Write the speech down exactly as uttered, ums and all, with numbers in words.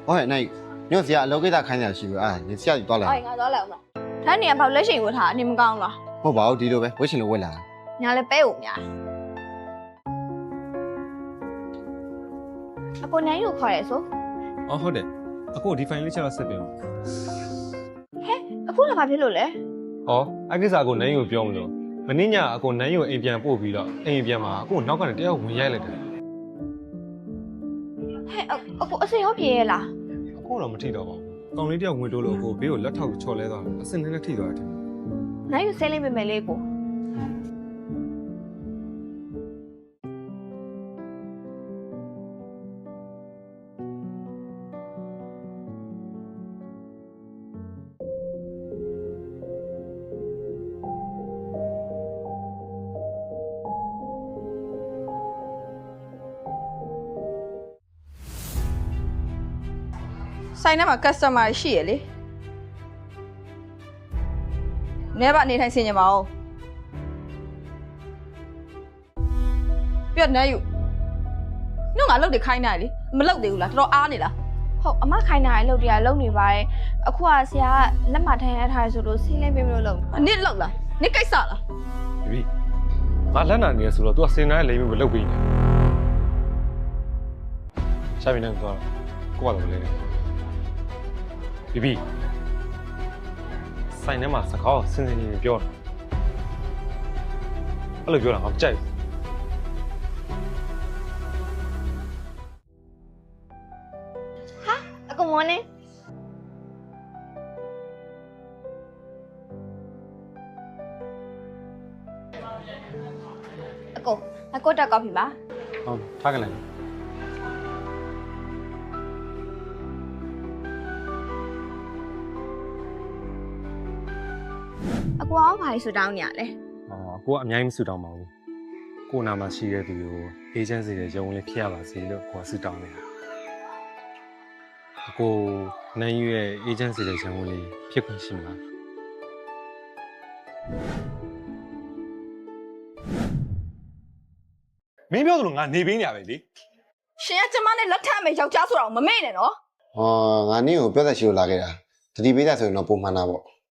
ဟုတ်ရဲ့နိုင်ညို့ဆရာအလုပ်ကိစ္စခိုင်းရရှိပြီအာဆရာကြီးသွားလာအေးငါသွားလိုက်အောင်လားဒါနေကဘာလက်ရှိဝတ်ထားနေမကောင်းလားဟုတ်ပါဘူးဒီလိုပဲဝှက်ရှင်လိုဝှက်လာညာလည်းပဲဦးများအကိုနိုင်ယူခေါ်ရဲဆိုအော်ဟုတ်တယ်အခုဒီ file လေးချက်တော့ဆက်ပြင်အောင်အခုလည်းဘာဖြစ်လို့လဲဟောအကိစ္စကိုနန်းယူပြောမလို့မင်းညအကိုနန်းယူအိမ်ပြန်ပို့ပြီးတော့အိမ်ပြန်မှာအခုနောက်ကနေတယောက်ဝင်ရိုက်လိုက်တယ်ဟဲ့အကိုအစင်ရောပြေးရလားအခုတော့မထိတော့ပါဘူးကောင်လေးတယောက်ဝင်တိုးလို့အကိုဘေးကိုလက်ထောက်ချော်လဲသွားတယ်အစင်းနဲ့ထိသွားတယ်နိုင်ယူဆဲလေးပဲမယ်လေးကိုဆိုင်ထဲမှာ customer ရှိရလေနဲပါနေထိုင်ဆင်ကြပါဦးပြတ်နေယူနှုတ်ငါလုတ်တွေခိုင်းနေလေမလုတ်သေးဘူးလားတော်တော်အားနေလားဟုတ်အမခိုင်းတာရဲ့လုပ်တရားလုပ်နေပါရဲ့အခုကဆရာကလက်မထိုင်ရထားဆိုလို့ဆင်းလေးပေးမလို့လုပ်နစ်လောက်လားနစ်ကိစ္စလားဒီပြီငါလက်နာနေရဆိုတော့ तू ကစင်တိုင်းလိမ့်ပြီးမလုပ်ပြီးနေရှာမင်းနဲ့သွားကိုကတော့လေဒီပြီဆိုင်ထဲမှာစကားဆင်းဆင်းကြီးပြောတာအဲ့လိုပြောတာငါမကြိုက်ဘူးအကိုမောနေအကိုအကိုတက်ကောက်ပြီပါဟုတ်ထားကြလိုက်အကိုအောင်ဘာလို့ဆူတောင်းနေရလဲอ๋อကိုကအများကြီးမဆူတောင်းပါဘူးကိုနာမှာရှိတဲ့သူကို agency တွေရုံးလေးဖြစ်ရပါစေလို့ကိုကဆူတောင်းနေတာကိုနိုင်ယူရဲ့ agency တွေရုံးလေးဖြစ်ခွင့်ရှိမလားမင်းပြောသလိုငါနေပေးနေရပဲလေရှင်ကကျမနဲ့လက်ထပ်မယ်ယောက်ျားဆိုတော့မမေ့နဲ့နော်ဟောငါနင်းကိုပြောသက်ရှိလို့လာခဲ့တာတတိပေးတာဆိုရင်တော့ပုံမှန်တာပေါ့